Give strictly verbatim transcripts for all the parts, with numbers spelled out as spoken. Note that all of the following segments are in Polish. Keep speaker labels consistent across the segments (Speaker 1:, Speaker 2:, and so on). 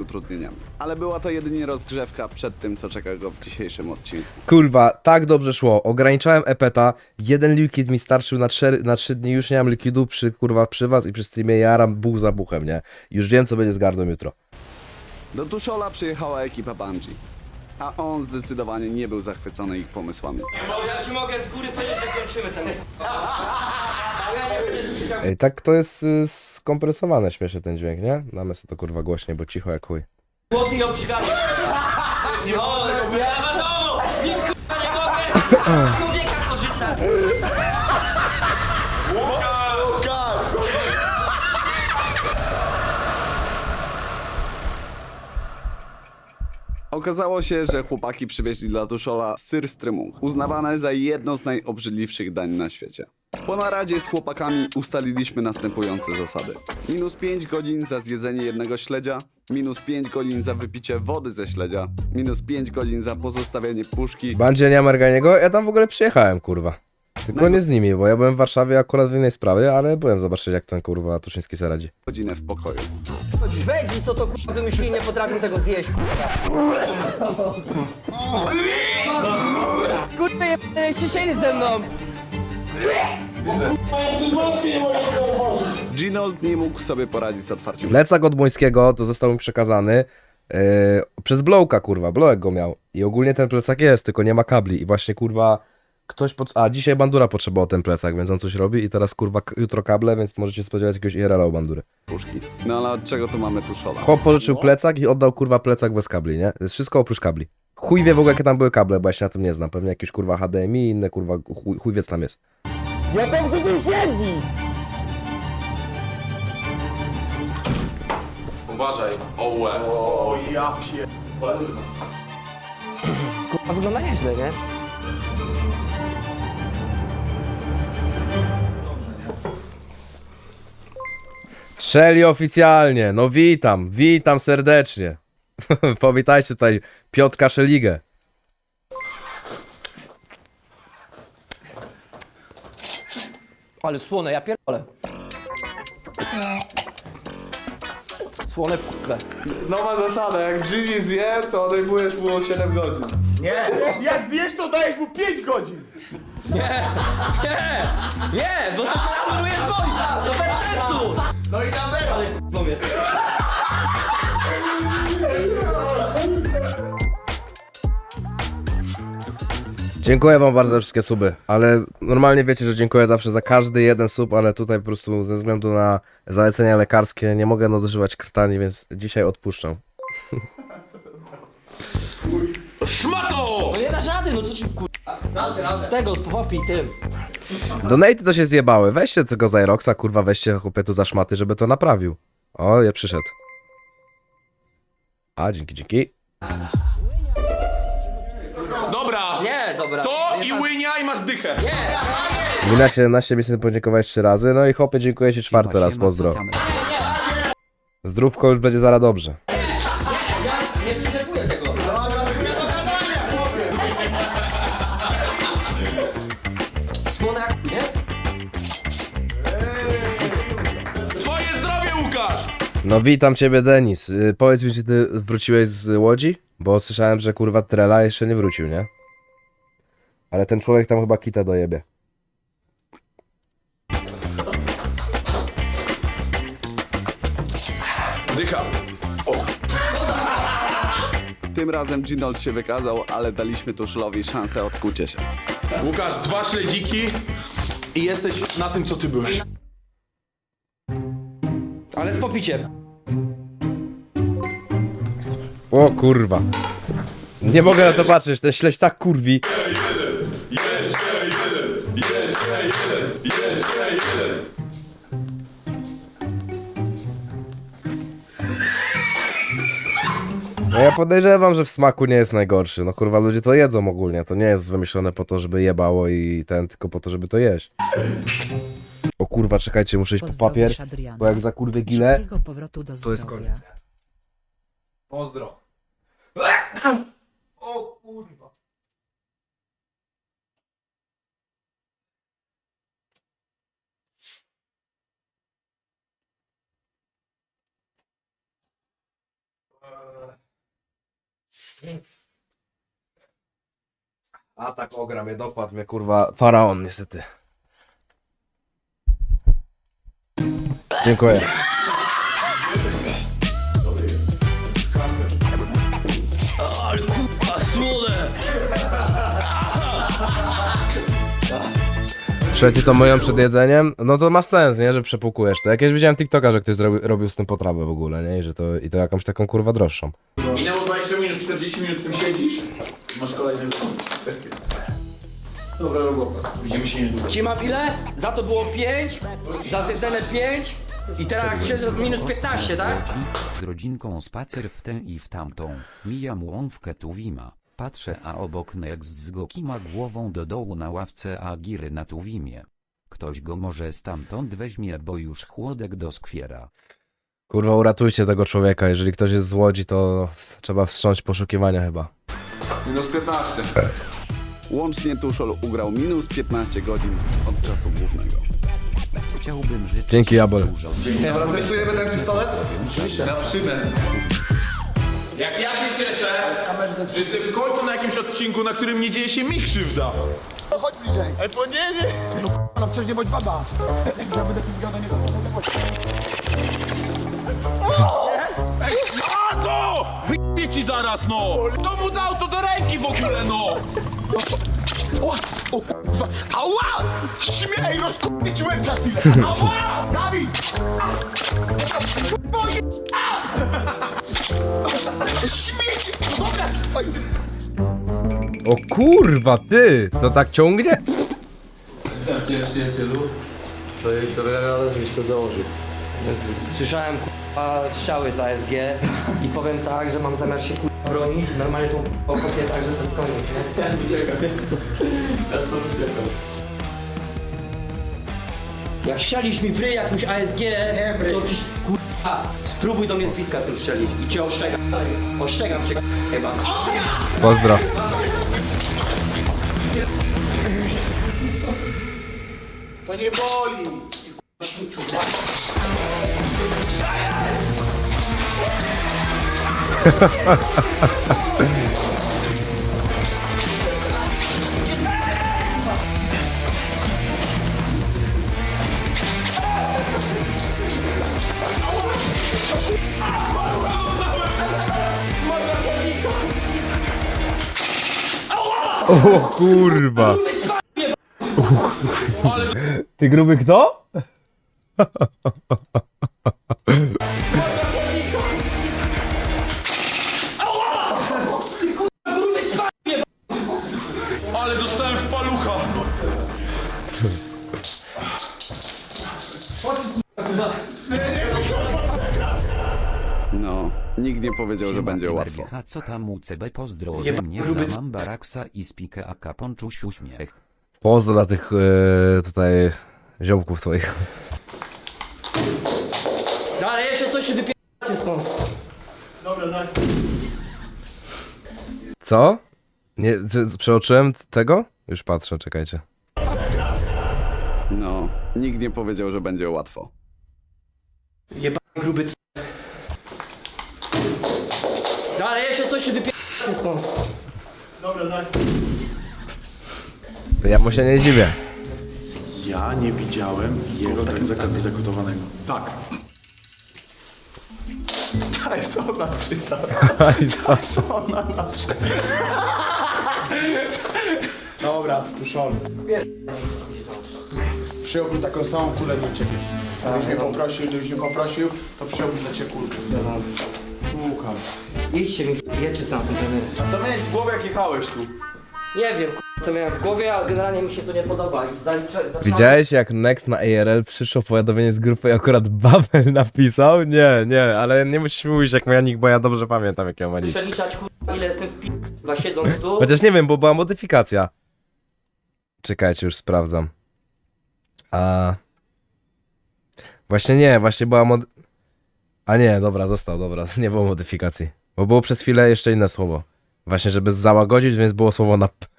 Speaker 1: utrudnieniami. Ale była to jedynie rozgrzewka przed tym, co czeka go w dzisiejszym odcinku.
Speaker 2: Kurwa, tak dobrze szło. Ograniczałem epeta, jeden liquid mi starczył na, cztery, na trzy dni, już nie mam liquidu przy, kurwa, przy was i przy streamie jaram buch za buchem, nie? Już wiem, co będzie z gardą jutro.
Speaker 1: Do Tuszola przyjechała ekipa Bungie, a on zdecydowanie nie był zachwycony ich pomysłami.
Speaker 3: Bo ja ci mogę z góry powiedzieć, że kończymy ten... Ja nie będę już chciał...
Speaker 2: Ej, tak to jest y, skompresowane śmiesznie ten dźwięk, nie? Damy sobie to kurwa głośniej, bo cicho jak chuj.
Speaker 3: Głodny i obrzygany. No, ja wiadomo! Nic kurwa nie mogę! Człowieka korzysta!
Speaker 1: Okazało się, że chłopaki przywieźli dla Tuszola syr strymung, uznawane za jedno z najobrzydliwszych dań na świecie. Po naradzie z chłopakami ustaliliśmy następujące zasady. Minus pięć godzin za zjedzenie jednego śledzia, minus pięć godzin za wypicie wody ze śledzia, minus pięć godzin za pozostawienie puszki,
Speaker 2: Bandzie nie Amerganiego? Ja tam w ogóle przyjechałem, kurwa. Tylko nie z nimi, bo ja byłem w Warszawie akurat w innej sprawie, ale byłem zobaczyć, jak ten kurwa Tuszyński sobie radzi.
Speaker 1: godzinę w pokoju.
Speaker 3: Szwedzi, co to kurwa wymyślili, nie potrafią tego zjeść. Kurwa, nie siedzieli ze mną!
Speaker 1: Ginold nie mógł sobie poradzić z otwarciem
Speaker 2: Plecak od Młońskiego to został mi przekazany yy, przez Blowka, kurwa. Blowek go miał. I ogólnie ten plecak jest, tylko nie ma kabli. I właśnie, kurwa, ktoś... Pod... A, dzisiaj Bandura potrzebował ten plecak, więc on coś robi. I teraz, kurwa, k- jutro kable, więc możecie spodziewać jakiegoś I R L-a u Bandury.
Speaker 1: puszki. No ale od czego tu mamy Tuszola?
Speaker 2: Chłop pożyczył plecak i oddał, kurwa, plecak bez kabli, nie? To jest wszystko oprócz kabli. Chuj wie w ogóle, jakie tam były kable, bo ja się na tym nie znam. Pewnie jakieś, kurwa, H D M I i inne, kurwa, chuj, chuj wie, co tam jest.
Speaker 3: Ja tam co tu siedzi!
Speaker 4: Uważaj, ołe. O, ja pier...
Speaker 3: Kurwa, wygląda nieźle, nie?
Speaker 2: Shelly oficjalnie, no witam, witam serdecznie. Powitajcie tutaj Piotrka Szeligę.
Speaker 3: Ale słone, ja pierdolę. Słone w kurwę.
Speaker 4: Nowa zasada, jak Jimmy zje, to odejmujesz mu o siedem godzin.
Speaker 5: Nie, jak zjesz, to dajesz mu pięć godzin.
Speaker 3: Nie! Nie! Nie! Bo to się anuluje z boi! To bez sensu!
Speaker 5: No i tam teraz.
Speaker 3: Powiedz.
Speaker 2: Dziękuję wam bardzo za wszystkie suby, ale normalnie wiecie, że dziękuję zawsze za każdy jeden sub, ale tutaj po prostu ze względu na zalecenia lekarskie nie mogę nadużywać krtani, więc dzisiaj odpuszczam.
Speaker 4: Szmato!
Speaker 3: No nie da rady, no co ci kurwa. Z tego, popij tym.
Speaker 2: Donaty to się zjebały, weźcie tego Zyroxa, kurwa, weźcie chłopie tu za szmaty, żeby to naprawił. O, ja przyszedł. A, dzięki, dzięki.
Speaker 4: Dobra!
Speaker 3: Nie, dobra.
Speaker 4: To
Speaker 3: Nie,
Speaker 4: i
Speaker 3: tak.
Speaker 4: łynia i masz dychę.
Speaker 3: Nie!
Speaker 2: Wina siedemnaście miesięcy podziękować trzy razy, no i chłopie dziękuję ci czwarty raz, pozdro. Zdrówko już będzie zaraz dobrze.
Speaker 3: Nie przyczepuję tego. Słone jak... nie?
Speaker 4: Twoje zdrowie, Łukasz!
Speaker 2: No witam ciebie, Denis. Yy, powiedz mi, czy ty wróciłeś z Łodzi? Bo słyszałem, że kurwa Trela jeszcze nie wrócił, nie? Ale ten człowiek tam chyba kita dojebie.
Speaker 4: Dycha.
Speaker 1: Tym razem Ginold się wykazał, ale daliśmy Tuszolowi szansę odkucia się.
Speaker 4: Łukasz, dwa śledziki i jesteś na tym, co ty byłeś.
Speaker 3: Ale z popiciem.
Speaker 2: O kurwa. Nie mogę na to patrzeć, ten śledź tak kurwi.
Speaker 4: Jeszcze jeden, jeszcze jeden, jeszcze jeden.
Speaker 2: No ja podejrzewam, że w smaku nie jest najgorszy. No kurwa, ludzie to jedzą ogólnie. To nie jest wymyślone po to, żeby jebało i ten, tylko po to, żeby to jeść. O kurwa, czekajcie, muszę iść po papier,
Speaker 6: Pozdrowisz Adriana.
Speaker 2: bo jak za kurwy gilę,
Speaker 6: Szybkiego powrotu do
Speaker 2: to jest
Speaker 6: zdrowia.
Speaker 2: koniec.
Speaker 4: Pozdro. O kurwa.
Speaker 2: A tak ogra mnie, dopadł mnie kurwa faraon niestety. Dziękuję.
Speaker 3: A słone!
Speaker 2: W Szwecji to myją przed jedzeniem, no to ma sens, nie, że przepłukujesz to. Jakieś widziałem TikToka, że ktoś zrobił, robił z tym potrawę w ogóle, nie, i że to, i to jakąś taką kurwa droższą.
Speaker 4: Minęło dwadzieścia minut, czterdzieści minut z tym siedzisz. Masz kolejny. Dobra robota. Widzimy się niedługo.
Speaker 3: Ci mam ile? Za to było pięć, za zjedzone pięć i teraz jak siedzę minus piętnaście, tak?
Speaker 6: Z rodzinką spacer w tę i w tamtą. Mijam łąwkę Tuwima. Patrzę, a obok Next z Goki ma głową do dołu na ławce, a Giry na Tuwimie. Ktoś go może stamtąd weźmie, bo już chłodek doskwiera.
Speaker 2: Kurwa, uratujcie tego człowieka, jeżeli ktoś jest z Łodzi, to trzeba wstrząść poszukiwania chyba.
Speaker 1: Minus piętnaście. Łącznie Tuszol ugrał minus piętnaście godzin od czasu głównego.
Speaker 6: Chciałbym żyć
Speaker 2: Dzięki, Jabol.
Speaker 6: dużo.
Speaker 1: Testujemy ten pistolet?
Speaker 4: Na przymę. Jak ja się cieszę, że jestem w końcu na jakimś odcinku, na którym nie dzieje się mi krzywda.
Speaker 5: Chodź bliżej.
Speaker 4: Ej, bo nie, nie.
Speaker 5: No przecież nie bądź baba. Ja będę pizgał do niego.
Speaker 4: A to! Wyjdzie ci zaraz, no! Kto mu dał to do ręki w ogóle, no?
Speaker 5: O, o, kurwa. Ała! Śmiej, rozkupię ci łeb za chwilę. Ała! Dawid! Boję! Śmieć! Dobra! Oj.
Speaker 2: O kurwa, ty! To tak ciągnie?
Speaker 3: Słyszałem k***a strzały za S G i powiem tak, że mam zamiar się k***a bronić. Normalnie tą pokopię tak, że to jest koniec, nie? Ja uciekam, ja stąd uciekam. Jak strzelisz mi w ryj jakąś A S G,
Speaker 5: Nie w ryj.
Speaker 3: to ci k***a spróbuj do mnie z bliska tu strzelić i cię oszczegam. Oszczegam cię k***a chyba.
Speaker 2: Pozdro.
Speaker 5: To nie boli.
Speaker 2: O kurwa. Ty gruby kto?
Speaker 4: Ale dostałem w palucha.
Speaker 1: No, nikt nie powiedział, że
Speaker 6: Siema,
Speaker 1: będzie łatwo.
Speaker 6: Merwicha, co tam u C B? Pozdro ode
Speaker 3: Jeba,
Speaker 6: mnie
Speaker 3: gruby
Speaker 6: dla
Speaker 3: c-
Speaker 6: Mambaraksa i Spikę Aka Ponczuś uśmiech.
Speaker 2: Pozdro dla tych e, tutaj ziomków twoich.
Speaker 3: No ale jeszcze coś się wypieracie stąd.
Speaker 5: Dobra, daj.
Speaker 2: Co? Nie, c- przeoczyłem tego? Już patrzę, czekajcie.
Speaker 1: No, nikt nie powiedział, że będzie łatwo.
Speaker 3: Jeba gruby c... No ale jeszcze coś się wypieracie stąd.
Speaker 5: Dobra, daj.
Speaker 2: Ja mu się nie dziwię.
Speaker 4: Ja nie widziałem jego takim zaklepie zakotowanego. Tak.
Speaker 5: Daj, ona czyta.
Speaker 2: Aj, sasa.
Speaker 5: Ona naczyta. Dobra, Tuszol. Przyjąłbym taką samą kulę do ciebie. Gdybyś mnie poprosił, gdybyś mnie poprosił, to przyjąłbym dla ciebie kulkę. Łukasz.
Speaker 3: Idźcie mi jeczy sam ten trener.
Speaker 4: Co miałeś w głowie, jak jechałeś tu?
Speaker 3: Nie wiem k***a, co miałem w głowie, ale generalnie mi się to nie podoba i zaliczę... zaczynam-
Speaker 2: Widziałeś jak Next na A R L przyszło powiadomienie z grupy i akurat Babel napisał? Nie, nie, ale nie musisz mówić jak moja nick, bo ja dobrze pamiętam jak ja ma nick.
Speaker 3: Przeliczać k***a, ile jestem w p***a siedząc tu.
Speaker 2: Chociaż nie wiem, bo była modyfikacja. Czekajcie, już sprawdzam. A... Właśnie nie, właśnie była mod... A nie, dobra, został, dobra, nie było modyfikacji. Bo było przez chwilę jeszcze inne słowo. Właśnie, żeby załagodzić, więc było słowo na p.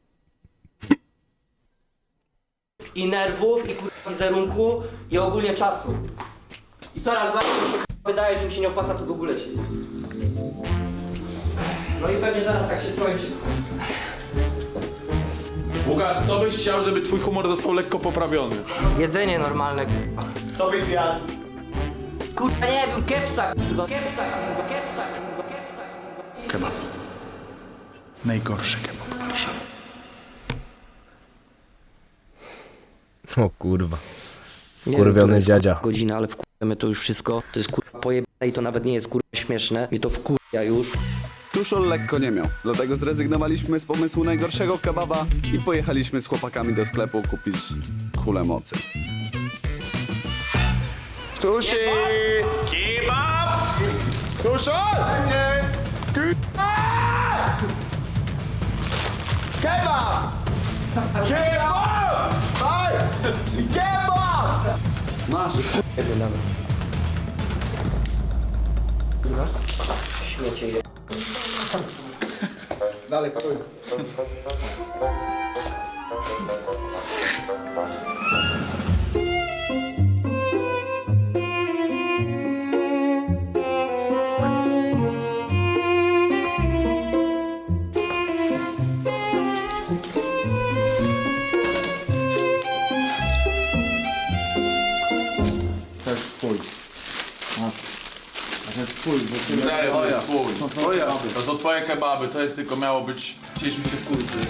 Speaker 3: I nerwów, i k***a wizerunku, i ogólnie czasu. I coraz bardziej mi się k***a wydaje, że mi się nie opłaca tu w ogóle siedzieć. No i pewnie zaraz tak się skończy.
Speaker 4: Łukasz, co byś chciał, żeby twój humor został lekko poprawiony?
Speaker 3: Jedzenie normalne, kurwa.
Speaker 5: To byś zjadł.
Speaker 3: Kurwa nie wiem, kepsa, kurwa, kepsa, kurwa, kepsa, kurwa, kepsa, kurwa.
Speaker 5: Kebab. Najgorszy kebab w Warszawie.
Speaker 2: O kurwa.
Speaker 3: Nie
Speaker 2: Kurwiony
Speaker 3: wiem, która jest,
Speaker 2: dziadzia.
Speaker 3: kurwa, godzina, ale wkurwiamy to już wszystko. To jest kurwa pojebane i to nawet nie jest kurwa śmieszne. Mnie to wkurwia już.
Speaker 1: Tuszol lekko nie miał, dlatego zrezygnowaliśmy z pomysłu najgorszego kebaba i pojechaliśmy z chłopakami do sklepu kupić kulę mocy.
Speaker 5: Tuszy! Kebab! Tuszol! Nie! Kebab! Kebab! Kebab! Daj! Kebab!
Speaker 1: Masz!
Speaker 3: Jedny nawet. Śmiecie je.
Speaker 5: Dalej, krój. To jest twój. A, to jest twój, bo ty...
Speaker 4: Serio, to jest twój. To są twoje kebaby, to jest tylko miało być... Chcieliśmy się służyć.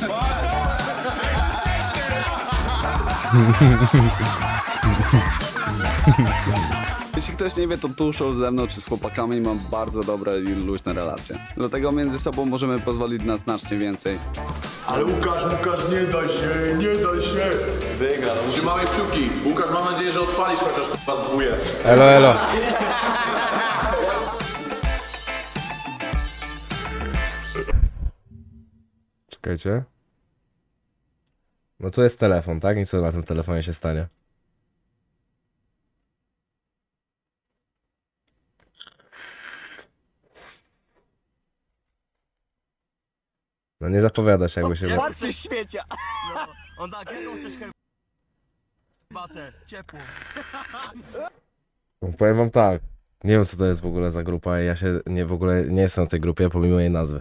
Speaker 1: Jeśli ktoś nie wie, to Tuszol ze mną czy z chłopakami ma bardzo dobre i luźne relacje. Dlatego między sobą możemy pozwolić na znacznie więcej.
Speaker 5: Ale Łukasz, Łukasz, nie daj się, nie daj się!
Speaker 4: Wygra. Trzymamy kciuki. Łukasz, mam nadzieję, że odpalisz chociaż was dwóje.
Speaker 2: Elo, elo. Czekajcie. No tu jest telefon, tak? I co na tym telefonie się stanie? No nie zapowiada się, jakby się...
Speaker 5: Patrzcie śmiecia!
Speaker 7: On tak, jaką chcesz herbatę? Ciepłą.
Speaker 2: No, powiem wam tak. Nie wiem, co to jest w ogóle za grupa i ja się nie w ogóle nie jestem w tej grupie, pomimo jej nazwy.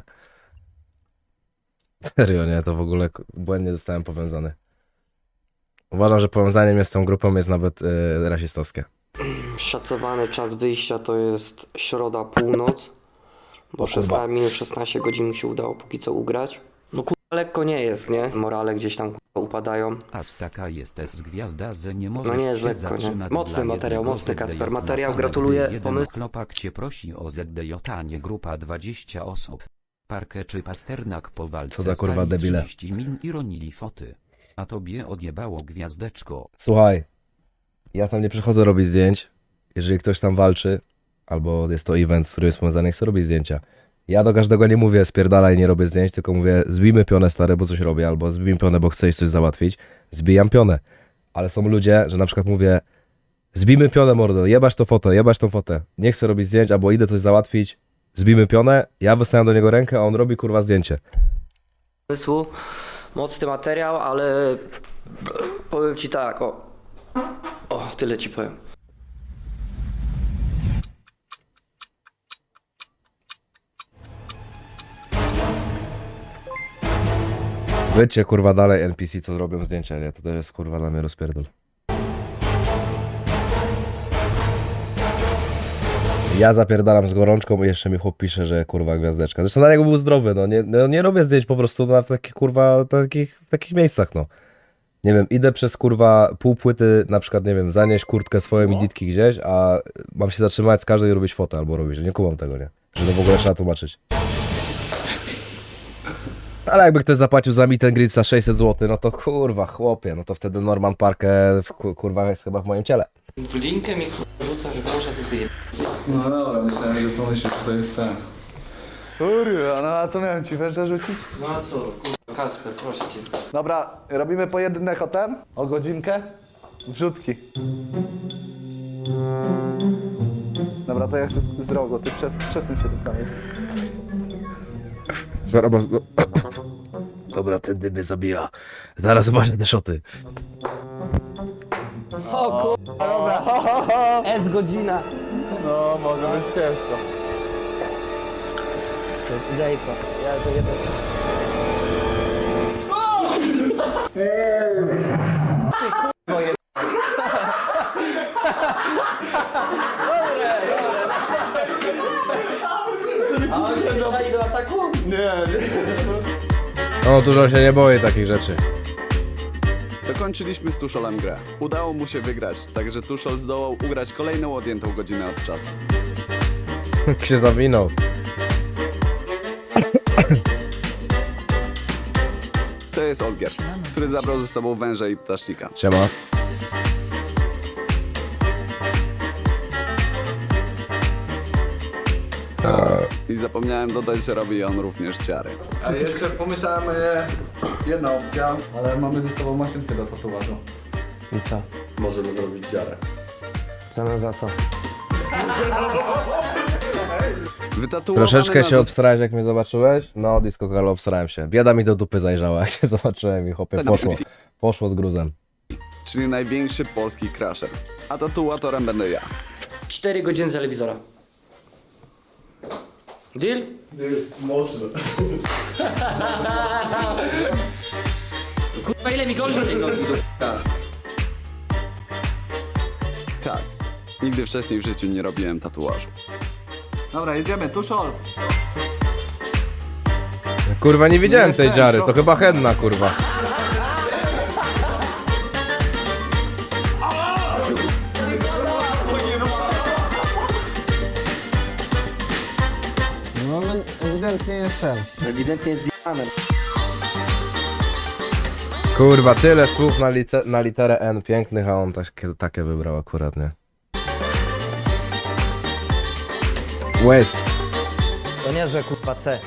Speaker 2: Serio, nie? To w ogóle k- błędnie zostałem powiązany. Uważam, że powiązaniem jest z tą grupą jest nawet yy, rasistowskie.
Speaker 3: Szacowany czas wyjścia to jest środa, północ. Bo szesnaście minut szesnaście godzin mu się udało póki co ugrać. No kurwa lekko nie jest, nie? Morale gdzieś tam kurwa upadają.
Speaker 6: Aż taka jest gwiazda, że nie możesz
Speaker 3: No nie jest
Speaker 6: się
Speaker 3: lekko, nie?
Speaker 6: zatrzymać
Speaker 3: Mocny
Speaker 6: dla
Speaker 3: materiał,
Speaker 6: jednego
Speaker 3: mocny
Speaker 6: Z D J
Speaker 3: Kacper.
Speaker 6: na
Speaker 3: Materiał,
Speaker 6: formę,
Speaker 3: gratuluję.
Speaker 6: gdy jeden
Speaker 3: Pomysł-
Speaker 6: chłopak cię prosi o Z D J, a nie grupa dwadzieścia osób. Parkę czy Pasternak po walce
Speaker 2: Co za kurwa
Speaker 6: stali
Speaker 2: debile.
Speaker 6: trzydzieści min i ronili foty. A tobie odjebało gwiazdeczko.
Speaker 2: Słuchaj, ja tam nie przychodzę robić zdjęć. Jeżeli ktoś tam walczy, albo jest to event, z którym jest powiązany, chcę robić zdjęcia. Ja do każdego nie mówię spierdalaj, nie robię zdjęć, tylko mówię zbijmy pionę stary, bo coś robię, albo zbijmy pionę, bo chcesz coś załatwić. Zbijam pionę. Ale są ludzie, że na przykład mówię zbijmy pionę mordo, jebać to fotę, jebać tą fotę. Nie chcę robić zdjęć, albo idę coś załatwić, zbijmy pionę, ja wystawiam do niego rękę, a on robi kurwa zdjęcie.
Speaker 3: Pomysłu. Mocny materiał, ale powiem ci tak, o. O, tyle ci powiem.
Speaker 2: Wyjdźcie kurwa dalej N P C, co robią zdjęcia, nie? To też jest kurwa dla mnie rozpierdol. Ja zapierdalam z gorączką i jeszcze mi chłop pisze, że kurwa gwiazdeczka. Zresztą na niego był zdrowy, no nie, no nie robię zdjęć po prostu na takich kurwa, takich, w takich miejscach, no. Nie wiem, idę przez kurwa pół płyty, na przykład, nie wiem, zanieść kurtkę swoją i ditki gdzieś, a mam się zatrzymać z każdej i robić fotę albo robić, nie kumam tego, nie? Że to w ogóle trzeba tłumaczyć. Ale jakby ktoś zapłacił za meet and greet za sześćset złotych, no to kurwa, chłopie, no to wtedy Norman Parker w- kurwa jest chyba w moim ciele.
Speaker 3: Linkę mi rzucasz w uszy, co ty je...
Speaker 1: No dobra, myślałem, że pomyślisz, że to jest ten. Kurwa, no a co miałem ci węża rzucić?
Speaker 3: No a co, kurwa, Kacper, proszę cię.
Speaker 1: Dobra, robimy pojedynek o ten? O godzinkę? Wrzutki. Dobra, to ja chcę z, z rogu, ty przez, przesuń się tu prawie.
Speaker 2: Zaraz, no. Dobra, ten dym mnie zabija. Zaraz zobaczę te szoty.
Speaker 3: O kurwa, dobra. S godzina.
Speaker 1: No, może być ciężko.
Speaker 3: Jayko, ja to jeden. Dobre, do ataku?
Speaker 2: No, dużo się nie boję takich rzeczy.
Speaker 1: Dokończyliśmy z Tuszolem grę. Udało mu się wygrać, także Tuszol zdołał ugrać kolejną odjętą godzinę od czasu.
Speaker 2: Jak się zawinął.
Speaker 1: To jest Olgier, który zabrał ze sobą węża i ptasznika.
Speaker 2: Siema.
Speaker 1: I zapomniałem dodać, że robi on również ciary.
Speaker 8: A jeszcze pomyślałem, e, jedna opcja, ale mamy ze sobą maszynkę do tatuażu.
Speaker 3: I co?
Speaker 8: Możemy zrobić dziarę.
Speaker 3: W zamian za co?
Speaker 1: Wytatuowany
Speaker 2: Troszeczkę
Speaker 1: na
Speaker 2: się
Speaker 1: zes-
Speaker 2: obsrałeś, jak mnie zobaczyłeś? No, disco Carlo, obsrałem się. Bieda mi do dupy zajrzała, jak się zobaczyłem i chłopie, poszło. Poszło z gruzem.
Speaker 1: czyli największy polski crasher. A tatuatorem będę ja.
Speaker 3: cztery godziny telewizora. Deal?
Speaker 8: Mocno.
Speaker 3: Kurwa, ile mi goli sięgnął do
Speaker 1: Tak, nigdy wcześniej w życiu nie robiłem tatuażu.
Speaker 8: Dobra, jedziemy, Tuszol.
Speaker 2: Kurwa, nie widziałem tej dziary, to chyba henna, kurwa.
Speaker 9: No ewidentnie jest ten.
Speaker 3: Ewidentnie jest zjebane.
Speaker 2: Kurwa, tyle słów na, lice, na literę N pięknych, a on takie, takie wybrał akurat, nie? West.
Speaker 3: To niezłe kurwa C.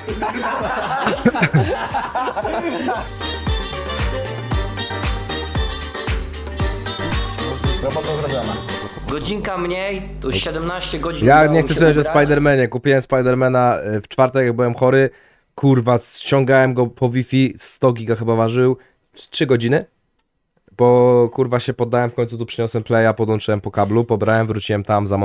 Speaker 9: Robota zrobiona.
Speaker 3: Godzinka mniej, to już siedemnaście godzin.
Speaker 2: Ja
Speaker 3: udało
Speaker 2: nie
Speaker 3: mi
Speaker 2: chcę
Speaker 3: się
Speaker 2: słuchać o
Speaker 3: ugrać.
Speaker 2: Spidermanie. Kupiłem Spidermana y, w czwartek, jak byłem chory. Kurwa, ściągałem go po Wi-Fi, sto giga chyba ważył. trzy godziny. Bo kurwa się poddałem, w końcu tu przyniosłem playa, podłączyłem po kablu, pobrałem, wróciłem tam, za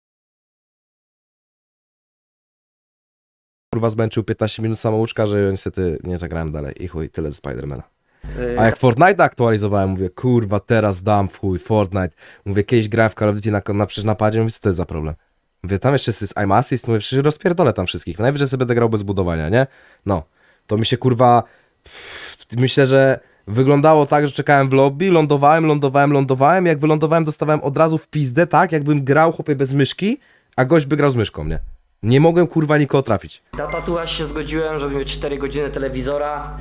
Speaker 2: kurwa zmęczył piętnaście minut samouczka, że niestety nie zagrałem dalej. I chuj, tyle ze Spidermana.
Speaker 3: Y,
Speaker 2: A jak Fortnite aktualizowałem, mówię, kurwa, teraz dam w chuj, Fortnite. Mówię, kiedyś grałem w Call of Duty na, na, przecież napadzie, mówię, co to jest za problem? Mówię, tam jeszcze jest I'm Assist, mówię, przecież rozpierdolę tam wszystkich. Najwyżej sobie będę grał bez budowania, nie? No, to mi się kurwa, pff, myślę, że wyglądało tak, że czekałem w lobby, lądowałem, lądowałem, lądowałem, jak wylądowałem, dostawałem od razu w pizdę, tak, jakbym grał, chłopie, bez myszki, a gość by grał z myszką, nie? Nie mogłem kurwa nikogo trafić.
Speaker 3: Na tatuaż się zgodziłem, żeby mieć cztery godziny telewizora.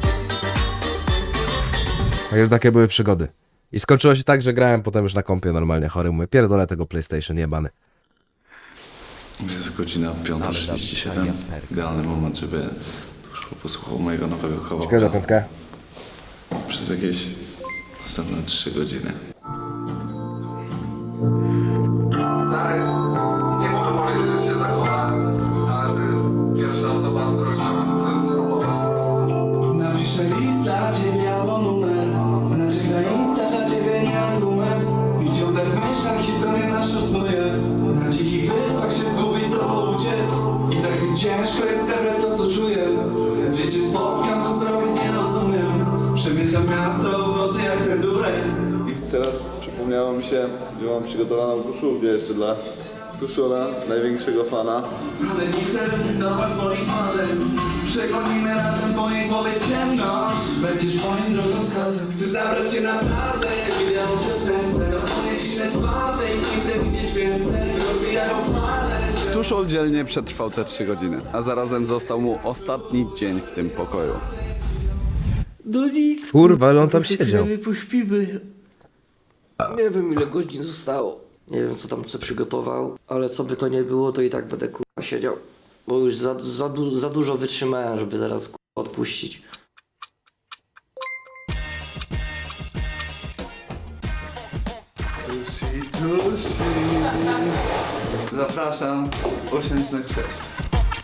Speaker 2: Także takie były przygody. I skończyło się tak, że grałem potem już na kompie normalnie chory. Mówię, pierdolę tego PlayStation jebany.
Speaker 10: Jest godzina piąta trzydzieści siedem. Idealny moment, żeby Tuszol posłuchał mojego nowego
Speaker 2: Czekaj za
Speaker 10: kawałka
Speaker 2: piątkę.
Speaker 10: przez jakieś następne trzy godziny.
Speaker 8: Stary, nie mogę powiedzieć, że się zachowa, ale to jest pierwsza osoba, z którą chciałbym coś spróbować po prostu.
Speaker 11: Napiszę list dla ciebie albo numer. Znaczek na Insta dla ciebie nie argument. I ciągle w myślach historię naszą snuję. Na dzikich wyspach się zgubić, z tobą uciec. I tak mi ciężko jest zebrać to co czuję. Gdzie cię spotkam, co zrobić nie rozumiem. Przemierzam miasto w nocy jak ten dureń.
Speaker 10: I teraz przypomniało mi się, że mam przygotowaną koszulkę jeszcze dla Tuszola, największego fana.
Speaker 11: Ale nie chcę rezygnować z moich marzeń. Przegonimy razem po jej głowie ciemność. Będziesz moim drogowskazem. Chcę zabrać cię na plażę, jak wideo te serce. Zapomnieć inne twarze i nie chcę widzieć więcej. Rozbijają fale.
Speaker 1: Tuszol dzielnie przetrwał te trzy godziny, a zarazem został mu ostatni dzień w tym pokoju.
Speaker 3: No nic.
Speaker 2: Kurwa, ale on tam siedział.
Speaker 3: Pośpimy. Nie wiem ile godzin zostało. Nie wiem co tam co przygotował, ale co by to nie było, to i tak będę kurwa siedział. Bo już za, za, du- za dużo wytrzymałem, żeby zaraz kurwa odpuścić.
Speaker 10: Tusi, tusi. Zapraszam, osiem znak sześć.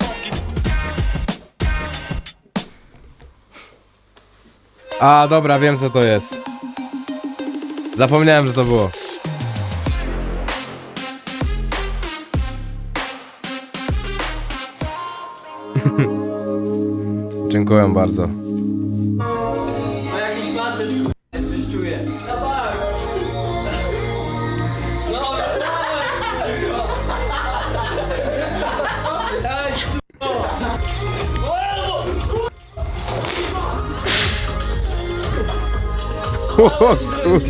Speaker 2: A, dobra, wiem co to jest. Zapomniałem, że to było. Dziękuję bardzo.
Speaker 7: No jakiś facet k***a coś czuje. No tak. No dawaj. Daj
Speaker 2: O kur...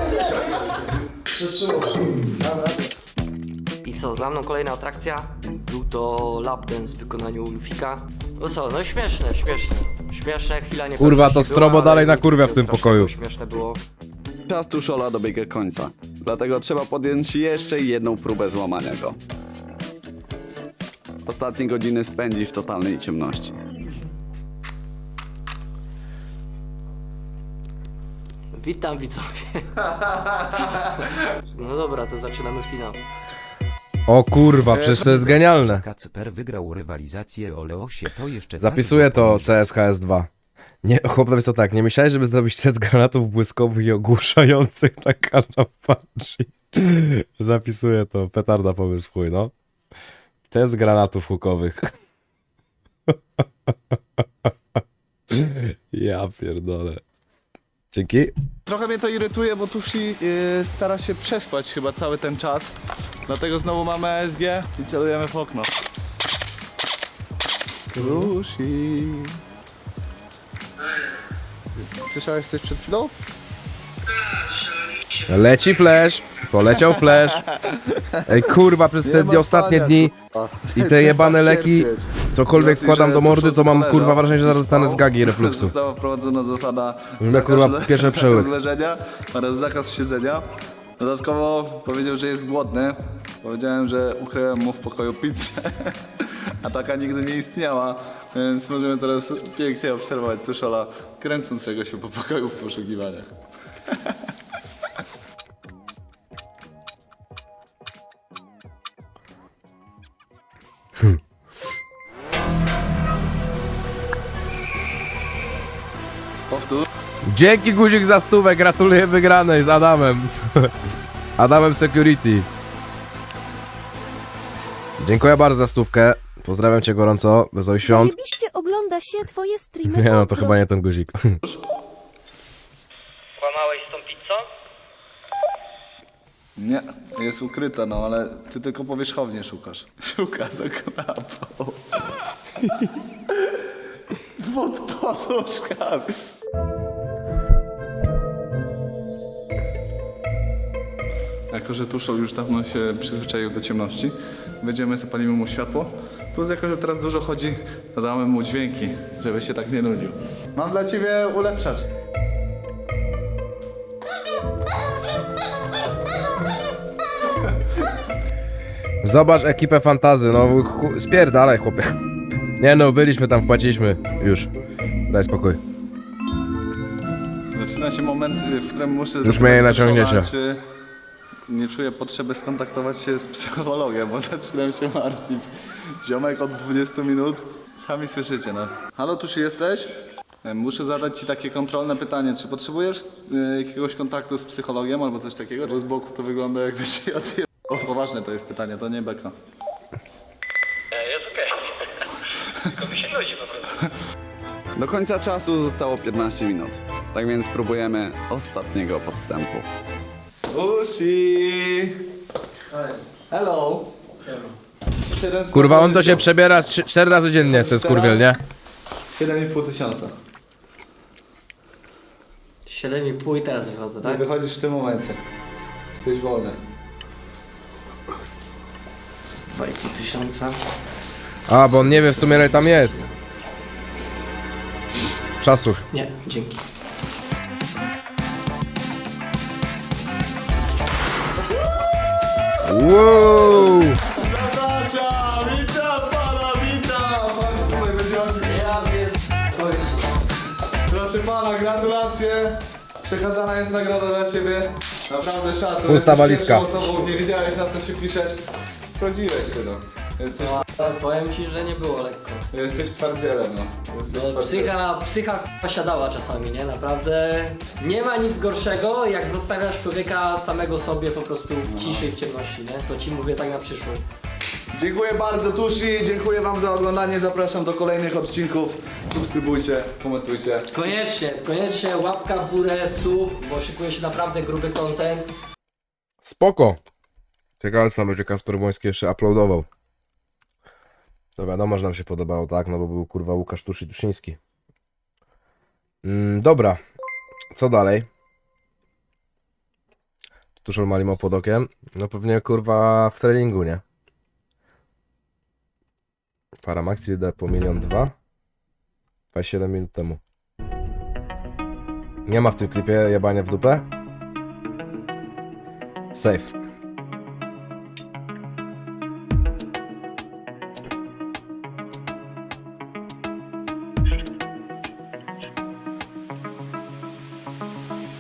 Speaker 3: I co, za mną kolejna atrakcja. Był to lap dance w wykonaniu Lufika. No co, no śmieszne, śmieszne. Śmieszne, chwila nie
Speaker 2: Kurwa, to
Speaker 3: była,
Speaker 2: strobo
Speaker 3: ale
Speaker 2: dalej na
Speaker 3: nic
Speaker 2: kurwia w
Speaker 3: takiego
Speaker 2: tym
Speaker 3: strasznego,
Speaker 2: pokoju.
Speaker 3: Śmieszne było.
Speaker 1: Czas Tuszola dobiega końca, dlatego trzeba podjąć jeszcze jedną próbę złamania go. Ostatnie godziny spędzi w totalnej ciemności.
Speaker 3: Witam widzowie. No dobra, to zaczynamy finał.
Speaker 2: O kurwa, przecież to jest genialne.
Speaker 6: Kacper wygrał rywalizację o Leosie, to jeszcze... tak
Speaker 2: Zapisuję to
Speaker 6: zapomnieć.
Speaker 2: C S H S dwa. Nie, chłop napisał tak, nie myślałeś, żeby zrobić test granatów błyskowych i ogłuszających na każdą patrzy. Zapisuję to, petarda pomysł chuj, no. Test granatów hukowych. Ja pierdolę. Dzięki.
Speaker 10: Trochę mnie to irytuje, bo Tushi yy, stara się przespać chyba cały ten czas. Dlatego znowu mamy A S G i celujemy w okno. Tushi. Słyszałeś coś przed chwilą?
Speaker 2: Leci flash, poleciał flash. Ej kurwa, przez
Speaker 10: Nie
Speaker 2: te
Speaker 10: ma
Speaker 2: dni, ostatnie
Speaker 10: spania,
Speaker 2: dni
Speaker 10: kurwa.
Speaker 2: i te jebane
Speaker 10: Trzeba
Speaker 2: leki,
Speaker 10: cierpieć.
Speaker 2: cokolwiek
Speaker 10: Z racji,
Speaker 2: wkładam
Speaker 10: że
Speaker 2: do mordy,
Speaker 10: Tuszol
Speaker 2: to mam
Speaker 10: leżał,
Speaker 2: kurwa wrażenie, że zaraz dostanę z
Speaker 10: spał,
Speaker 2: gagi i refluksu.
Speaker 10: Została wprowadzona zasada
Speaker 2: Brzmi, kurwa,
Speaker 10: zakaz-
Speaker 2: pierwszy przełyk.
Speaker 10: zakaz leżenia oraz zakaz siedzenia. Dodatkowo powiedział, że jest głodny. Powiedziałem, że ukryłem mu w pokoju pizzę, a taka nigdy nie istniała, więc możemy teraz pięknie obserwować Tuszola kręcącego się po pokoju w poszukiwaniach. Powtórz.
Speaker 2: Dzięki guzik za stówę, gratuluję wygranej z Adamem. Adamem Security. Dziękuję bardzo za stówkę. Pozdrawiam cię gorąco, wesołych świąt.
Speaker 12: Zajebiście ogląda się twoje streamy.
Speaker 2: Nie no, to
Speaker 12: pozdro.
Speaker 2: chyba nie ten guzik.
Speaker 3: Kłamałeś z tą pizzą?
Speaker 10: Nie, jest ukryta, no ale ty tylko powierzchownie szukasz. Szuka za kanapą. Pod poduszkami. Jako, że Tuszol już dawno się przyzwyczaił do ciemności, wejdziemy, zapalimy mu światło. Plus jako, że teraz dużo chodzi, dodamy mu dźwięki, żeby się tak nie nudził. Mam dla ciebie ulepszacz.
Speaker 2: Zobacz ekipę fantazy, no chu- spierdalaj chłopie. Nie no, byliśmy tam, wpłaciliśmy. Już. Daj spokój.
Speaker 10: Zaczyna się moment, w którym muszę
Speaker 2: Już
Speaker 10: zapytać
Speaker 2: mnie nie
Speaker 10: Tuszola,
Speaker 2: naciągniecie.
Speaker 10: czy nie czuję potrzeby skontaktować się z psychologiem, bo zaczynam się martwić. Ziomek od dwudziestu minut, sami słyszycie nas. Halo, Tuszy, jesteś? Muszę zadać ci takie kontrolne pytanie, czy potrzebujesz y, jakiegoś kontaktu z psychologiem albo coś takiego? Bo z boku to wygląda jakbyś się odjebał. O, poważne to jest pytanie, to nie beka.
Speaker 7: Jest okej. Tylko mi się nudzi po prostu.
Speaker 1: Do końca czasu zostało piętnaście minut, tak więc spróbujemy ostatniego podstępu.
Speaker 10: Tushi! Hello! Siedem z
Speaker 2: Kurwa, on to się
Speaker 10: propozycją.
Speaker 2: przebiera trzy, cztery razy dziennie, ten skurwiel, nie?
Speaker 10: siedem i pół tysiąca.
Speaker 3: siedem i pół i teraz wychodzę,
Speaker 10: Tak?
Speaker 3: tak?
Speaker 10: Wychodzisz w tym momencie. Jesteś wolny.
Speaker 3: dwa i pół tysiąca.
Speaker 2: A, bo on nie wie w sumie ile tam jest. Czasów.
Speaker 3: Nie, dzięki.
Speaker 2: Wow!
Speaker 10: Zapraszam! Witam pana, witam! Chodź tutaj, będziemy...
Speaker 3: Ja wiem.
Speaker 10: Proszę pana, gratulacje! Przekazana jest nagroda dla ciebie. Naprawdę szacun.
Speaker 2: Pusta
Speaker 10: Jesteś
Speaker 2: walizka.
Speaker 10: pierwszą osobą, nie wiedziałeś na co się piszesz. Sprawdziłeś się, no. Jesteś,
Speaker 3: No, powiem ci, że nie było lekko.
Speaker 10: jesteś twardzielem, no. Jesteś
Speaker 3: No,
Speaker 10: twardzielem.
Speaker 3: psycha, psycha posiadała czasami, nie? Naprawdę nie ma nic gorszego, jak zostawiasz człowieka samego sobie po prostu w ciszy i w ciemności, nie? To ci mówię tak na przyszłość.
Speaker 10: Dziękuję bardzo Tusi, dziękuję wam za oglądanie, zapraszam do kolejnych odcinków. Subskrybujcie, komentujcie.
Speaker 3: Koniecznie, koniecznie łapka w górę, sub, bo szykuje się naprawdę gruby content.
Speaker 2: Spoko. Ciekawe co nam będzie Kasper Błoński jeszcze uploadował. To wiadomo, że nam się podobało, tak? No bo był kurwa Łukasz Tuszy Tuszyński. Mm, dobra. Co dalej? Tuszol Malimo pod okiem. No pewnie kurwa w treningu, nie? Paramax idę po milion dwa. dwadzieścia siedem minut temu. Nie ma w tym klipie jebania w dupę? Safe.